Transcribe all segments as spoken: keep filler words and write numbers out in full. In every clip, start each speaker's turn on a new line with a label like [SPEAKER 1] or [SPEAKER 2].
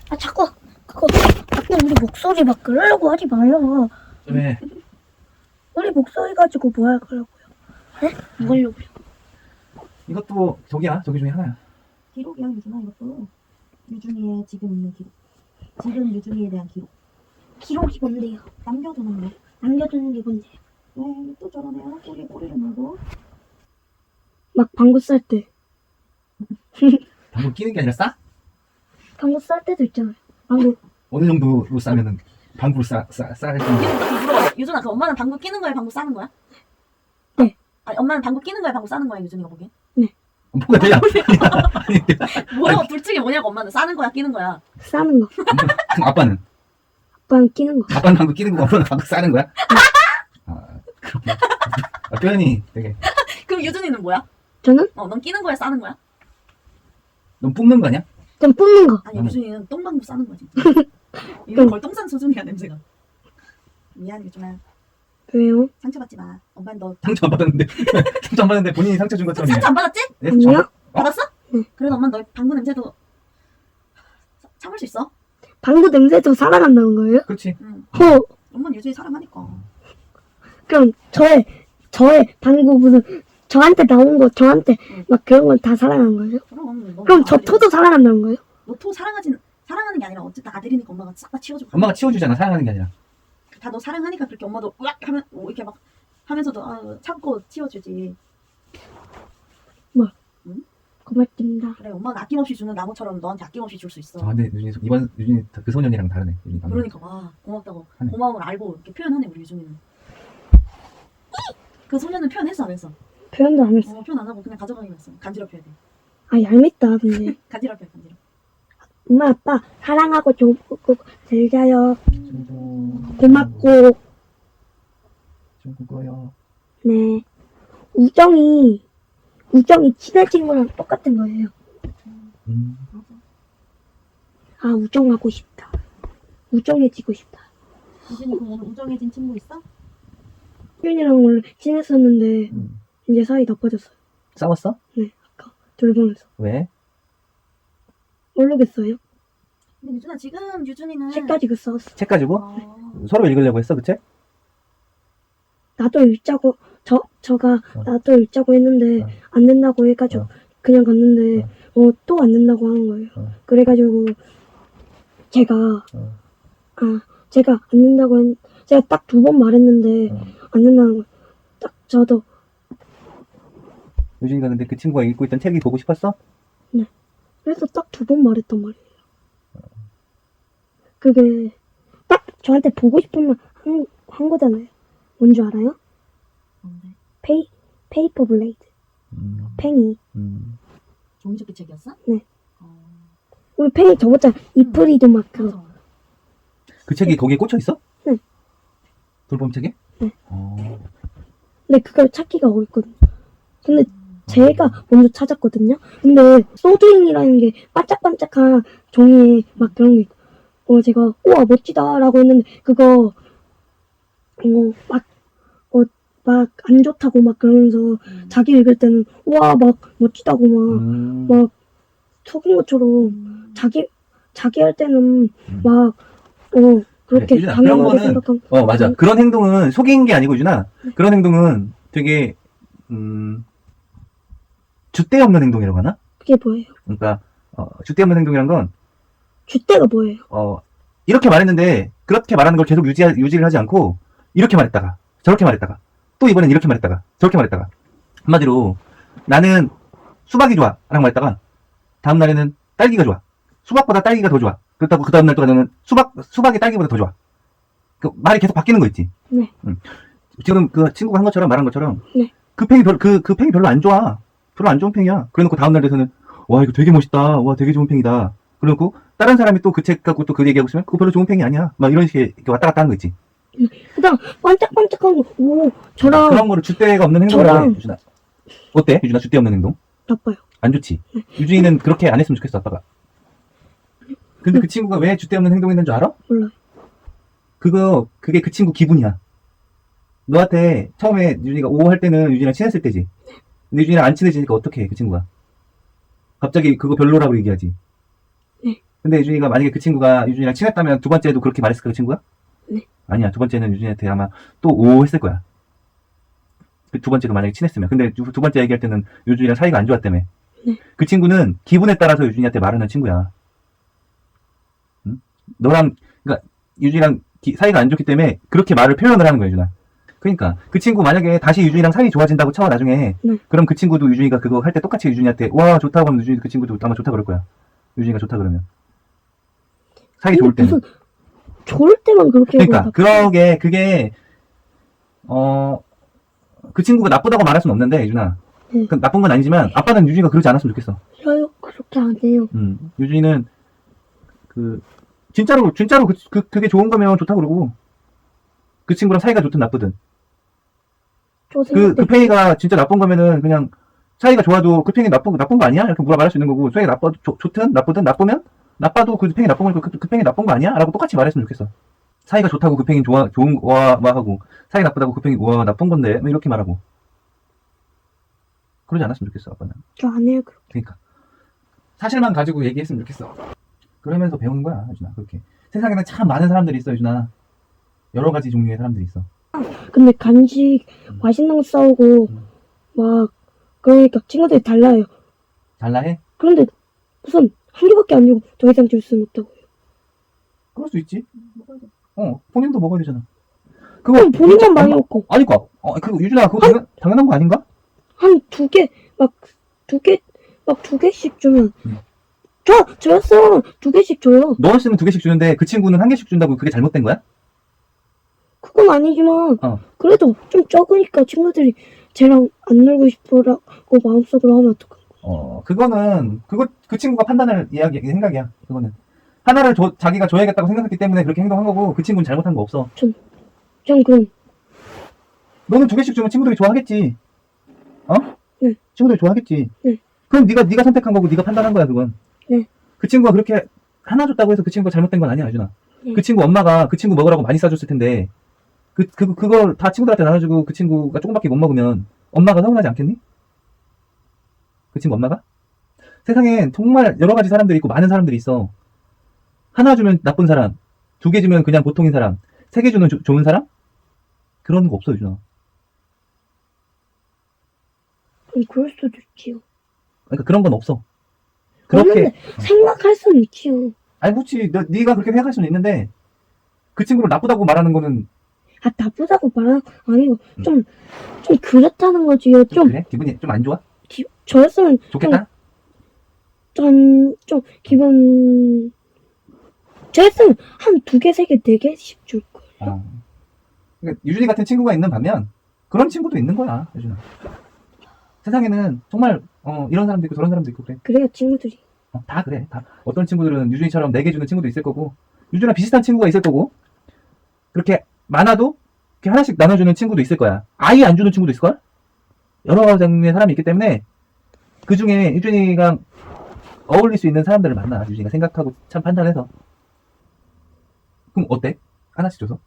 [SPEAKER 1] 아 자꾸 그거 자꾸 우리 목소리 막 그러려고 하지 마요.
[SPEAKER 2] 왜?
[SPEAKER 1] 우리 목소리 가지고 뭐 할 거라고요? 네? 뭐 하려고요?
[SPEAKER 2] 이것도 저기야, 저기 중에 하나야.
[SPEAKER 3] 기록이야 유준아 이것도. 유준이의 지금 있는 기록. 지금 유준이에 대한 기록.
[SPEAKER 1] 기록이 뭔데요?
[SPEAKER 3] 남겨두는 거.
[SPEAKER 1] 남겨두는 게 뭔데요?
[SPEAKER 3] 왜 또 저러네요. 꼬리에 꼬리를 물고.
[SPEAKER 1] 막 방구 쌀 때.
[SPEAKER 2] 방구 끼는 게 아니라 싸?
[SPEAKER 1] 방구 쌀 때도 있잖아요. 방구.
[SPEAKER 2] 어느 정도로 싸면은 방구를 싸, 싸, 싸야 되는
[SPEAKER 3] 유준아 물어봐. 유준아 그 엄마는 방구 끼는 거야 방구 싸는 거야?
[SPEAKER 1] 네.
[SPEAKER 3] 아니 엄마는 방구 끼는 거야 방구 싸는 거야 유준이가 보기엔?
[SPEAKER 2] 뭐가 돼야? 아니,
[SPEAKER 3] 뭐야 둘 중에 뭐냐고 엄마는 싸는 거야 끼는 거야?
[SPEAKER 1] 싸는 거.
[SPEAKER 2] 그럼 아빠는?
[SPEAKER 1] 아빠는 끼는 거.
[SPEAKER 2] 아빠는 방구 끼는 거, 엄마는 방구 싸는 거야? 아, 그렇구나. 아, 표현이 되게.
[SPEAKER 3] 그럼 유준이는 뭐야?
[SPEAKER 1] 저는
[SPEAKER 3] 어 넌 끼는 거야 싸는 거야?
[SPEAKER 2] 넌 뿜는 거 아니야?
[SPEAKER 1] 좀 뿜는 거.
[SPEAKER 3] 아니
[SPEAKER 2] 음.
[SPEAKER 3] 유준이는 똥방구 싸는 거야 진짜. 이건 거의 똥싼 수준이야 냄새가. 미안 유준아
[SPEAKER 1] 왜요?
[SPEAKER 3] 상처받지 마. 엄마는 너
[SPEAKER 2] 상처 안 받았는데. 상처 안 받았는데 본인이 상처 준 것처럼.
[SPEAKER 3] 상처 안 받았지?
[SPEAKER 2] 예,
[SPEAKER 1] 아니요.
[SPEAKER 2] 저- 어?
[SPEAKER 3] 받았어?
[SPEAKER 1] 응.
[SPEAKER 3] 그래도 엄마는 너 방구 냄새도 참을 수 있어?
[SPEAKER 1] 방구 냄새도 사랑한다는 거예요?
[SPEAKER 2] 그렇지.
[SPEAKER 3] 응.
[SPEAKER 1] 호.
[SPEAKER 3] 엄마는 유준이 사랑하니까.
[SPEAKER 1] 그럼 저의 저의 방구 무슨 저한테 나온 거 저한테
[SPEAKER 3] 응.
[SPEAKER 1] 막 그런 건 다 사랑한 거예요?
[SPEAKER 3] 그럼 너
[SPEAKER 1] 그럼 저
[SPEAKER 3] 아들이-
[SPEAKER 1] 토도 사랑한다는 거예요?
[SPEAKER 3] 너토 사랑하진 사랑하는 게 아니라 어쨌든 아들이니까 엄마가 싹 다 치워주고.
[SPEAKER 2] 엄마가 치워주잖아, 사랑하는 게 아니라.
[SPEAKER 3] 다 너 사랑하니까 그렇게 엄마도 으악 하면 뭐 이렇게 막 하면서도 아, 참고 치워주지.
[SPEAKER 1] 고맙습니다.
[SPEAKER 3] 그래 엄마는 아낌없이 주는 나무처럼 너한테 아낌없이 줄 수 있어.
[SPEAKER 2] 아, 근데 유진이, 이번 유진이 그 소년이랑 다르네. 유진이 방금.
[SPEAKER 3] 그러니까 와 고맙다고
[SPEAKER 2] 하네.
[SPEAKER 3] 고마움을 알고 이렇게 표현하네 우리 유준이는. 그 소년은 표현했어 안 했어?
[SPEAKER 1] 표현도 안 했어.
[SPEAKER 3] 어, 표현 안 하고 그냥 가져가기로 했어. 간지럽혀야 돼.
[SPEAKER 1] 아 얄밉다 근데.
[SPEAKER 3] 간지럽혀 간지럽.
[SPEAKER 1] 엄마 아빠 사랑하고 좋고 잘 자요.
[SPEAKER 2] 좀
[SPEAKER 1] 고맙고.
[SPEAKER 2] 좀 그거요.
[SPEAKER 1] 네. 우정이 우정이 친한 친구랑 똑같은 거예요.
[SPEAKER 2] 음.
[SPEAKER 1] 아 우정하고 싶다. 우정해지고 싶다.
[SPEAKER 3] 유준이 그럼 오늘 우정해진 친구 있어?
[SPEAKER 1] 윤이랑 원래 친했었는데
[SPEAKER 2] 음.
[SPEAKER 1] 이제 사이 나빠졌어요.
[SPEAKER 2] 싸웠어?
[SPEAKER 1] 돌보면서.
[SPEAKER 2] 왜?
[SPEAKER 1] 모르겠어요.
[SPEAKER 3] 근데 유준아 지금 유준이는
[SPEAKER 1] 책 가지고 싸웠어.
[SPEAKER 2] 책 가지고?
[SPEAKER 3] 어,
[SPEAKER 2] 서로 읽으려고 했어, 그 책?
[SPEAKER 1] 나도 읽자고 저 저가
[SPEAKER 2] 어.
[SPEAKER 1] 나도 읽자고 했는데
[SPEAKER 2] 어.
[SPEAKER 1] 안 된다고 해가지고
[SPEAKER 2] 어.
[SPEAKER 1] 그냥 갔는데 어 또 안 된다고 하는 거예요.
[SPEAKER 2] 어.
[SPEAKER 1] 그래가지고 제가
[SPEAKER 2] 어.
[SPEAKER 1] 아 제가 안 된다고 했 제가 딱 두 번 말했는데
[SPEAKER 2] 어.
[SPEAKER 1] 안 된다는 거예요. 딱 저도
[SPEAKER 2] 유진이가 근데 그 친구가 읽고 있던 책이 보고 싶었어?
[SPEAKER 1] 그래서 딱 두 번 말했단 말이에요. 그게 딱 저한테 보고 싶으면 한, 한 거잖아요. 뭔지 알아요?
[SPEAKER 3] 뭔데?
[SPEAKER 1] 페이 페이퍼 블레이드
[SPEAKER 2] 음.
[SPEAKER 1] 팽이.
[SPEAKER 2] 음.
[SPEAKER 3] 종이접기 책이었어?
[SPEAKER 1] 네.
[SPEAKER 3] 어,
[SPEAKER 1] 우리 팽이 저번에 이프리도 막 그거.
[SPEAKER 3] 맞아.
[SPEAKER 2] 그 책이 거기에 꽂혀 있어?
[SPEAKER 1] 네.
[SPEAKER 2] 돌봄 책에?
[SPEAKER 1] 네.
[SPEAKER 2] 어.
[SPEAKER 1] 근데 그걸 찾기가 어렵거든요. 근데 제가 먼저 찾았거든요. 근데 소드잉이라는 게 반짝반짝한 종이에 막 그런 게 있고, 어 제가 우와 멋지다라고 했는데 그거 어막어막 안 좋다고 막 그러면서
[SPEAKER 3] 음.
[SPEAKER 1] 자기 읽을 때는 우와 막 멋지다고 막
[SPEAKER 2] 음.
[SPEAKER 1] 막 속인 것처럼
[SPEAKER 3] 음.
[SPEAKER 1] 자기 자기 할 때는
[SPEAKER 2] 음.
[SPEAKER 1] 막 어 그렇게
[SPEAKER 2] 유진아,
[SPEAKER 1] 당연하게
[SPEAKER 2] 그런 거는-
[SPEAKER 1] 생각하고
[SPEAKER 2] 어, 맞아. 그런 행동은 속인 게 아니고, 유진아.
[SPEAKER 1] 네.
[SPEAKER 2] 그런 행동은 되게, 음, 줏대 없는 행동이라고 하나?
[SPEAKER 1] 그게 뭐예요?
[SPEAKER 2] 그러니까, 어, 줏대 없는 행동이란 건,
[SPEAKER 1] 줏대가 뭐예요?
[SPEAKER 2] 어, 이렇게 말했는데, 그렇게 말하는 걸 계속 유지, 유지를 하지 않고, 이렇게 말했다가, 저렇게 말했다가, 또 이번엔 이렇게 말했다가, 저렇게 말했다가. 한마디로, 나는 수박이 좋아. 라고 말했다가, 다음 날에는 딸기가 좋아. 수박보다 딸기가 더 좋아. 그렇다고 그 다음날 또 가서는 수박, 수박이 딸기보다 더 좋아. 그 말이 계속 바뀌는 거 있지.
[SPEAKER 1] 네.
[SPEAKER 2] 응. 지금 그 친구가 한 것처럼 말한 것처럼,
[SPEAKER 1] 네.
[SPEAKER 2] 그 팽이 별, 그, 그 팽이 별로 안 좋아. 별로 안 좋은 팽이야. 그래 놓고 다음날 돼서는, 와, 이거 되게 멋있다. 와, 되게 좋은 팽이다. 그래 놓고, 다른 사람이 또 그 책 갖고 또 그 얘기하고 있으면, 그거 별로 좋은 팽이 아니야. 막 이런 식의 이렇게 왔다 갔다 하는 거 있지.
[SPEAKER 1] 그다음 반짝반짝한 거, 오 저랑
[SPEAKER 2] 그런 거를 줏대가 없는 행동이라고
[SPEAKER 1] 저랑-
[SPEAKER 2] 해, 유준아. 어때? 유준아, 줏대 없는 행동?
[SPEAKER 1] 나빠요.
[SPEAKER 2] 안 좋지? 유준이는 그렇게 안 했으면 좋겠어, 아빠가. 근데 그 친구가 왜 줏대 없는 행동했는 줄 알아?
[SPEAKER 1] 몰라요.
[SPEAKER 2] 그거, 그게 그 친구 기분이야. 너한테 처음에 유준이가 오 할 때는 유준이랑 친했을 때지. 근데 유준이랑 안 친해지니까 어떻게 해, 그 친구가? 갑자기 그거 별로라고 얘기하지.
[SPEAKER 1] 네.
[SPEAKER 2] 근데 유준이가 만약에 그 친구가 유준이랑 친했다면 두 번째도 그렇게 말했을까 그 친구가?
[SPEAKER 1] 네.
[SPEAKER 2] 아니야. 두 번째는 유준이한테 아마 또 오 했을 거야. 그 두 번째도 만약에 친했으면. 근데 두, 두 번째 얘기할 때는 유준이랑 사이가 안 좋았다며.
[SPEAKER 1] 네.
[SPEAKER 2] 그 친구는 기분에 따라서 유준이한테 말하는 친구야. 응? 너랑 그러니까 유준이랑 기- 사이가 안 좋기 때문에 그렇게 말을 표현을 하는 거야, 유준아. 그러니까 그 친구 만약에 다시 유준이랑 사이 좋아진다고 쳐 나중에
[SPEAKER 1] 네.
[SPEAKER 2] 그럼 그 친구도 유준이가 그거 할 때 똑같이 유준이한테 와 좋다고 하면 유준이 그 친구도 아마 좋다 그럴 거야. 유준이가 좋다 그러면 사이 좋을
[SPEAKER 1] 근데
[SPEAKER 2] 때는.
[SPEAKER 1] 무슨 좋을 때만 그렇게 하고
[SPEAKER 2] 그러니까
[SPEAKER 1] 나-
[SPEAKER 2] 그러게 그게 어 그 친구가 나쁘다고 말할 수는 없는데 유준아.
[SPEAKER 1] 네.
[SPEAKER 2] 그 나쁜 건 아니지만 아빠는 유준이가 그러지 않았으면 좋겠어.
[SPEAKER 1] 싫어요. 그렇게 안 해요.
[SPEAKER 2] 음 유준이는 그 진짜로 진짜로 그, 그 그게 좋은 거면 좋다 그러고 그 친구랑 사이가 좋든 나쁘든
[SPEAKER 1] 저
[SPEAKER 2] 그,
[SPEAKER 1] 생각
[SPEAKER 2] 그
[SPEAKER 1] 때
[SPEAKER 2] 페이가 진짜 나쁜 거면은 그냥 사이가 좋아도 그 팽이 나쁜, 나쁜 거 아니야? 이렇게 물어 말할 수 있는 거고, 사이가 나빠, 좋, 좋든 나쁘든 나쁘면 나빠도 그 팽이 나쁜 거니까 그, 그 팽이 나쁜 거 아니야? 라고 똑같이 말했으면 좋겠어. 사이가 좋다고 그 팽이 좋아, 좋은 거와 하고, 사이 나쁘다고 그 팽이 와, 나쁜 건데, 뭐 이렇게 말하고. 그러지 않았으면 좋겠어, 아빠는.
[SPEAKER 1] 저 안 해요. 그렇게.
[SPEAKER 2] 그러니까. 사실만 가지고 얘기했으면 좋겠어. 그러면서 배우는 거야, 유준아, 그렇게. 세상에는 참 많은 사람들이 있어, 유준아. 여러 가지 종류의 사람들이 있어.
[SPEAKER 1] 근데 간식
[SPEAKER 2] 음.
[SPEAKER 1] 맛있는 거 싸우고
[SPEAKER 2] 음.
[SPEAKER 1] 막 그러니까 친구들이 달라요.
[SPEAKER 2] 달라 해?
[SPEAKER 1] 그런데 무슨 한 개밖에 안 주고 더 이상 줄 수는 없다고.
[SPEAKER 2] 그럴 수 있지.
[SPEAKER 3] 먹어야 돼.
[SPEAKER 2] 어, 본인도 먹어야 되잖아. 그거
[SPEAKER 1] 그럼 본인만 많이
[SPEAKER 2] 엄마-
[SPEAKER 1] 먹고
[SPEAKER 2] 아니까 어, 그거 유준아 그거 당연, 당연한 거 아닌가?
[SPEAKER 1] 한 두 개 막 두 개 막 두 개씩 주면
[SPEAKER 2] 음.
[SPEAKER 1] 저 저였어 두 개씩 줘요.
[SPEAKER 2] 너였으면 두 개씩 주는데 그 친구는 한 개씩 준다고 그게 잘못된 거야?
[SPEAKER 1] 그건 아니지만
[SPEAKER 2] 어.
[SPEAKER 1] 그래도 좀 적으니까 친구들이 쟤랑 안 놀고 싶어라고 마음속으로 하면 어떡해.
[SPEAKER 2] 어, 그거는 그거 그 친구가 판단할 이야기 생각이야. 그거는 하나를 줘, 자기가 줘야겠다고 생각했기 때문에 그렇게 행동한 거고 그 친구는 잘못한 거 없어.
[SPEAKER 1] 전 그럼
[SPEAKER 2] 너는 두 개씩 주면 친구들이 좋아하겠지. 어?
[SPEAKER 1] 네.
[SPEAKER 2] 친구들이 좋아하겠지.
[SPEAKER 1] 네.
[SPEAKER 2] 그럼 네가 네가 선택한 거고 네가 판단한 거야 그건.
[SPEAKER 1] 네.
[SPEAKER 2] 그 친구가 그렇게 하나 줬다고 해서 그 친구가 잘못된 건 아니야, 유준아.
[SPEAKER 1] 네.
[SPEAKER 2] 그 친구 엄마가 그 친구 먹으라고 많이 싸줬을 텐데 그, 그, 그걸 다 친구들한테 나눠주고 그 친구가 조금밖에 못 먹으면 엄마가 서운하지 않겠니? 그 친구 엄마가? 세상엔 정말 여러 가지 사람들이 있고 많은 사람들이 있어. 하나 주면 나쁜 사람, 두 개 주면 그냥 보통인 사람, 세 개 주면 조- 좋은 사람? 그런 거 없어, 유준아.
[SPEAKER 1] 그럼 그럴 수도 있지요.
[SPEAKER 2] 그러니까 그런 건 없어. 그렇게,
[SPEAKER 1] 그런데 생각할 수는 있지요.
[SPEAKER 2] 아니, 그렇지. 너, 네가 그렇게 생각할 수는 있는데, 그 친구를 나쁘다고 말하는 거는,
[SPEAKER 1] 아 나쁘다고 말하는 거 아니고
[SPEAKER 2] 음.
[SPEAKER 1] 좀 좀 그렇다는 거지요. 좀
[SPEAKER 2] 그래? 기분이 좀 안 좋아?
[SPEAKER 1] 기, 저였으면
[SPEAKER 2] 좋겠다?
[SPEAKER 1] 좀, 좀 기분 저였으면 한 두 개, 세 개, 네 개씩 줄 거예요.
[SPEAKER 2] 어. 그러니까 유준이 같은 친구가 있는 반면, 그런 친구도 있는 거야, 유준아. 세상에는 정말, 어, 이런 사람도 있고 저런 사람도 있고 그래.
[SPEAKER 1] 그래야 친구들이
[SPEAKER 2] 어, 다 그래. 다. 어떤 친구들은 유준이처럼 네 개 주는 친구도 있을 거고, 유준이랑 비슷한 친구가 있을 거고, 그렇게 많아도 이렇게 하나씩 나눠주는 친구도 있을 거야. 아예 안 주는 친구도 있을걸? 여러 종류의 사람이 있기 때문에, 그 중에 유준이가 어울릴 수 있는 사람들을 만나. 유준이가 생각하고 참 판단해서. 그럼 어때? 하나씩 줘서?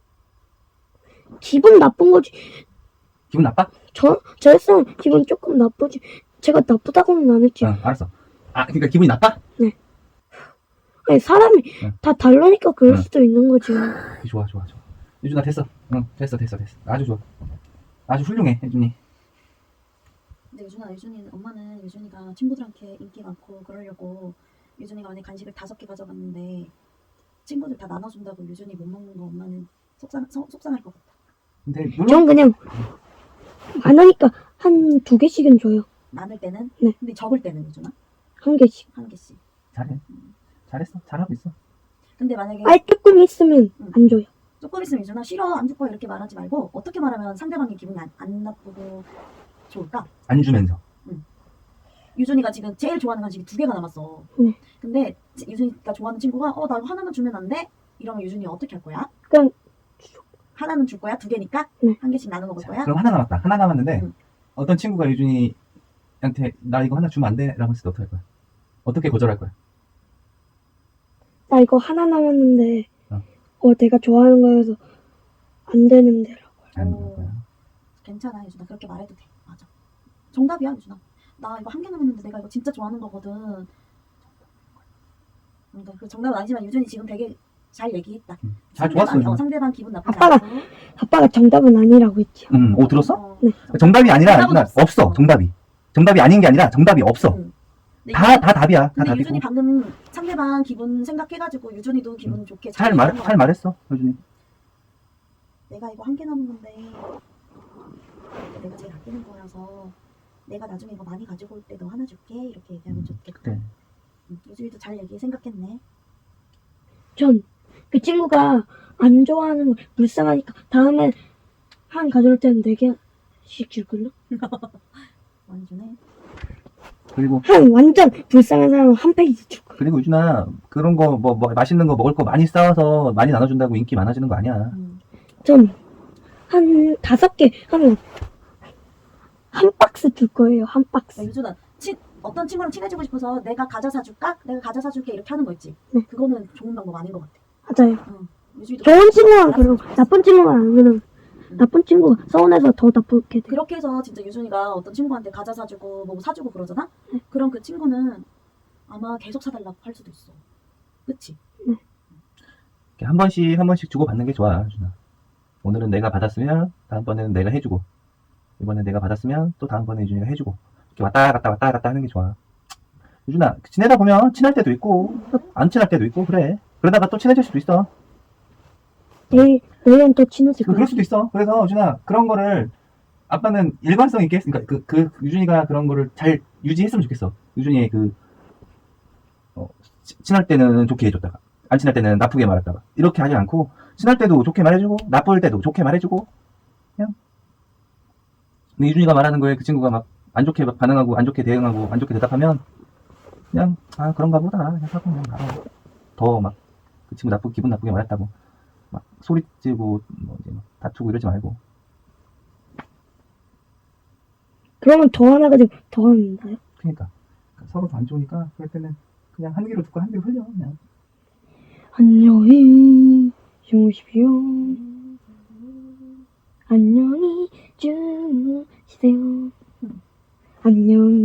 [SPEAKER 1] 기분 나쁜 거지.
[SPEAKER 2] 기분 나빠?
[SPEAKER 1] 저 저였으면 기분 조금 나쁘지. 제가 나쁘다고는 안 했지.
[SPEAKER 2] 어, 알았어. 아, 그러니까 기분이 나빠?
[SPEAKER 1] 아니 사람이
[SPEAKER 2] 응.
[SPEAKER 1] 다 다르니까 그럴
[SPEAKER 2] 응.
[SPEAKER 1] 수도 있는 거지.
[SPEAKER 2] 좋아, 좋아, 좋아. 유준아, 됐어. 응, 됐어, 됐어, 됐어. 아주 좋아. 아주 훌륭해, 유준이.
[SPEAKER 3] 근데 유준아, 유준이는 엄마는 유준이가 친구들한테 인기 많고 그러려고 유준이가 만약 간식을 다섯 개 가져갔는데 친구들 다 나눠준다고 유준이 못 먹는 거 엄마는 속상 속- 속상할 것 같아.
[SPEAKER 2] 근데 물론
[SPEAKER 1] 전 그냥 많으니까 한 두 개씩은 줘요.
[SPEAKER 3] 많을 때는.
[SPEAKER 1] 네.
[SPEAKER 3] 근데 적을 때는 유준아
[SPEAKER 1] 한 개씩.
[SPEAKER 3] 한 개씩.
[SPEAKER 2] 잘해. 잘했어. 잘하고 있어.
[SPEAKER 3] 근데 만약에
[SPEAKER 1] 아예 조금 있으면
[SPEAKER 3] 응.
[SPEAKER 1] 안 줘요.
[SPEAKER 3] 조금 있으면 유준아 싫어 안 줄 거야 이렇게 말하지 말고 어떻게 말하면 상대방이 기분이 안, 안 나쁘고 좋을까?
[SPEAKER 2] 안 주면서.
[SPEAKER 3] 유준이가 지금 제일 좋아하는 간식이 두 개가 남았어.
[SPEAKER 1] 네.
[SPEAKER 3] 근데 지- 유준이가 좋아하는 친구가 어 나 하나만 주면 안 돼? 이러면 유준이 어떻게 할 거야?
[SPEAKER 1] 그냥
[SPEAKER 3] 하나는 줄 거야? 두 개니까?
[SPEAKER 1] 네.
[SPEAKER 3] 한 개씩 나눠 먹을
[SPEAKER 2] 자,
[SPEAKER 3] 거야?
[SPEAKER 2] 그럼 하나 남았다. 하나 남았는데
[SPEAKER 3] 응.
[SPEAKER 2] 어떤 친구가 유준이한테 나 이거 하나 주면 안 돼? 라고 했을 때 어떻게 할 거야? 어떻게 거절할 거야?
[SPEAKER 1] 나 이거 하나 남았는데
[SPEAKER 2] 어.
[SPEAKER 1] 어 내가 좋아하는 거여서 안 되는데라고.
[SPEAKER 2] 안
[SPEAKER 3] 오.
[SPEAKER 2] 그럴 거야.
[SPEAKER 3] 괜찮아 유준아 그렇게 말해도 돼. 맞아. 정답이야 유준아. 나 이거 한 개 남았는데 내가 이거 진짜 좋아하는 거거든. 그러니까 그 정답은 아니지만 유준이 지금 되게 잘 얘기했다.
[SPEAKER 2] 음, 잘
[SPEAKER 3] 상대방,
[SPEAKER 2] 좋았어.
[SPEAKER 3] 어, 상대방 기분 나쁘지
[SPEAKER 1] 아빠가-
[SPEAKER 3] 않고.
[SPEAKER 1] 아빠가 정답은 아니라고 했지요.
[SPEAKER 2] 음, 오 들었어?
[SPEAKER 3] 어,
[SPEAKER 1] 네.
[SPEAKER 2] 정답이 아니라
[SPEAKER 3] 정답은
[SPEAKER 2] 유준아, 없어. 정답이. 정답이 아닌 게 아니라 정답이 없어.
[SPEAKER 3] 응. 근데
[SPEAKER 2] 다
[SPEAKER 3] 유준-
[SPEAKER 2] 다 답이야. 다
[SPEAKER 3] 근데
[SPEAKER 2] 답이고.
[SPEAKER 3] 유준이 방금 상대방 기분 생각해가지고 유준이도 기분 좋게
[SPEAKER 2] 잘
[SPEAKER 3] 얘기한
[SPEAKER 2] 말
[SPEAKER 3] 것
[SPEAKER 2] 잘
[SPEAKER 3] 같아.
[SPEAKER 2] 말했어. 유준이.
[SPEAKER 3] 내가 이거 한 개 남은 건데 내가 제일 아끼는 거라서 내가 나중에 이거 많이 가지고 올 때 너 하나 줄게 이렇게 얘기하면 좋겠다.
[SPEAKER 2] 그래.
[SPEAKER 3] 응, 유준이도 잘 얘기 생각했네.
[SPEAKER 1] 전 그 친구가 안 좋아하는 걸 불쌍하니까 다음에 한 가져올 때는 네 개씩 줄걸요?
[SPEAKER 3] 많이 주네.
[SPEAKER 2] 그리고
[SPEAKER 1] 한 완전 불쌍한 사람은 한 페이지 줄걸요?
[SPEAKER 2] 그리고 유준아 그런 거 뭐 뭐 맛있는 거 먹을 거 많이 싸워서 많이 나눠준다고 인기 많아지는 거 아니야.
[SPEAKER 3] 응.
[SPEAKER 1] 전 한 다섯 개 하면 한 박스 줄 거예요. 한 박스.
[SPEAKER 3] 그러니까 유준아 친 어떤 친구랑 친해지고 싶어서 내가 과자 사줄까? 내가 과자 사줄게 이렇게 하는 거 있지.
[SPEAKER 1] 네.
[SPEAKER 3] 그거는 좋은 방법 아닌 것 같아.
[SPEAKER 1] 맞아요.
[SPEAKER 3] 응. 유준이도
[SPEAKER 1] 좋은 친구만
[SPEAKER 3] 알았어.
[SPEAKER 1] 그러고 나쁜 친구만 안 그러면 나쁜 친구가 서운해서 더 나쁘게 돼.
[SPEAKER 3] 그렇게 해서 진짜 유준이가 어떤 친구한테 과자 사주고 뭐 사주고 그러잖아? 그럼 그 친구는 아마 계속 사달라고 할 수도 있어. 그치?
[SPEAKER 2] 이렇게 한 번씩 한 번씩 주고 받는 게 좋아, 유준아. 오늘은 내가 받았으면 다음번에는 내가 해주고 이번에 내가 받았으면 또 다음번에 유준이가 해주고 이렇게 왔다 갔다 왔다 갔다 하는 게 좋아. 유준아 지내다 보면 친할 때도 있고 안 친할 때도 있고 그래. 그러다가 또 친해질 수도 있어.
[SPEAKER 1] 내일 내일은 또 친해질 거야.
[SPEAKER 2] 그럴 수도 있어. 그래서 유준아 그런 거를 아빠는 일관성 있게 했, 그러니까 그, 그 유준이가 그런 거를 잘 유지했으면 좋겠어. 유준이의 그 어, 치- 친할 때는 좋게 해줬다가 안 친할 때는 나쁘게 말했다가 이렇게 하지 않고 친할 때도 좋게 말해주고 나쁠 때도 좋게 말해주고 그냥. 근데 유준이가 말하는 거에 그 친구가 막 안 좋게 막 반응하고 안 좋게 대응하고 안 좋게 대답하면 그냥 아 그런가 보다 그냥 하고 그냥 가라. 더 막 그 친구 나쁘 기분 나쁘게 말했다고 막 소리 지르고 뭐 이제 막 다투고 이러지 말고.
[SPEAKER 1] 그러면 더 하나 가지고 더 한다요?
[SPEAKER 2] 그러니까 서로 안 좋으니까 그럴 때는 그냥 한 귀로 듣고 한 귀로 흘려 그냥.
[SPEAKER 1] 안녕히 주무십시오. 안녕히 주무세요. 안녕히